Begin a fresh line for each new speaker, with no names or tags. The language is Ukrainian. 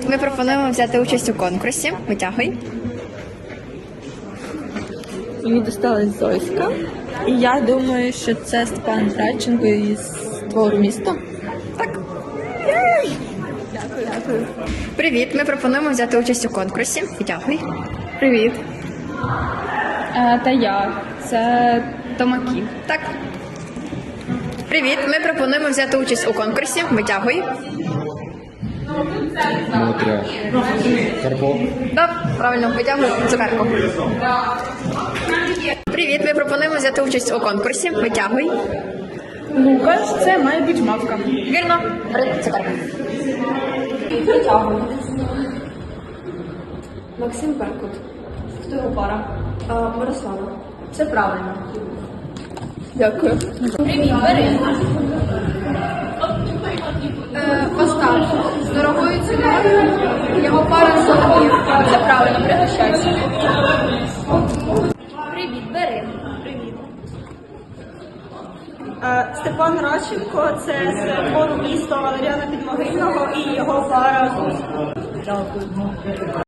Ми пропонуємо взяти участь у конкурсі. Витягуй.
Мені досталась Зоська. І я думаю, що це Степан Радченко із твору місто.
Так. Дякую. Привіт. Ми пропонуємо взяти участь у конкурсі. Витягуй.
Привіт. Та я. Це Томаків.
Так. Привіт. Ми пропонуємо взяти участь у конкурсі. Витягуй.
Мотря. Карпо.
Так, правильно, витягуй цукерку. Привіт. Ми пропонуємо взяти участь у конкурсі. Витягуй.
Лукаш, це має бути мавка.
Вірно. Бери цукерку.
Витягуй.
Максим Беркут.
Хто його пара?
Мирослава.
Це правильно. Дякую.
Привіт, бери. Остап. З дорогою ціною. Його пара Соломів.
Це правильно, пригощайся.
Привіт, бери.
Степан Радченко – це з твору місто Валеріана Підмогильного і його пара Зоська.